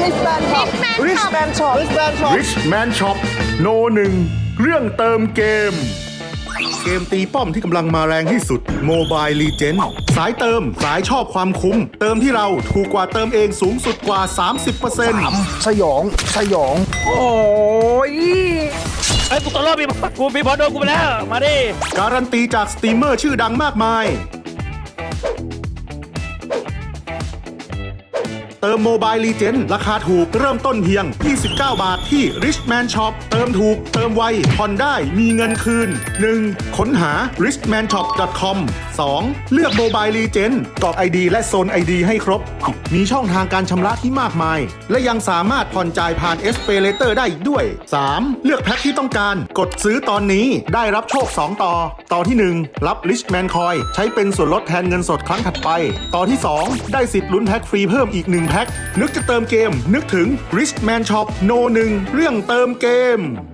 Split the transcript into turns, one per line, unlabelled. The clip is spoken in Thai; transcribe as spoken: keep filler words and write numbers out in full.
Richman Shop Richman Shop Richman Shop
Richman Shop โนหนึ่งเรื่องเติมเกม เกมตีป้อมที่กำลังมาแรงที่สุด Mobile Legends สายเติมสายชอบความคุ้ม เติมที่เราถูกกว่าเติมเองสูงสุดกว่า สามสิบเปอร์เซ็นต์
สยองสยองโอ้ย
ไอ้ยกูตัวรอดมีกูมีบอลโดนกูไปแล้วมาดิ
การันตีจากสตรีมเมอร์ชื่อดังมากมายเติม Mobile Legends ราคาถูกเริ่มต้นเพียงยี่สิบเก้าบาทที่ Richman Shop เติมถูกเติมไวผ่อนได้มีเงินคืน หนึ่ง ค้นหา richman shop dot com สอง เลือก Mobile Legends กรอก ไอ ดี และโซน ไอ ดี ให้ครบ มีช่องทางการชำระที่มากมาย และยังสามารถผ่อนจ่ายผ่าน SPayLater ได้อีกด้วย สาม เลือกแพ็คที่ต้องการกดซื้อตอนนี้ได้รับโชค สอง ต่อ ต่อที่ หนึ่ง รับ Richman Coin ใช้เป็นส่วนลดแทนเงินสดครั้งถัดไป ต่อที่ สอง ได้สิทธิ์ลุ้นแพ็คฟรีเพิ่มอีกหนึ่งแพ็คนึกจะเติมเกมนึกถึง Richman Shop โนหนึ่งเรื่องเติมเกม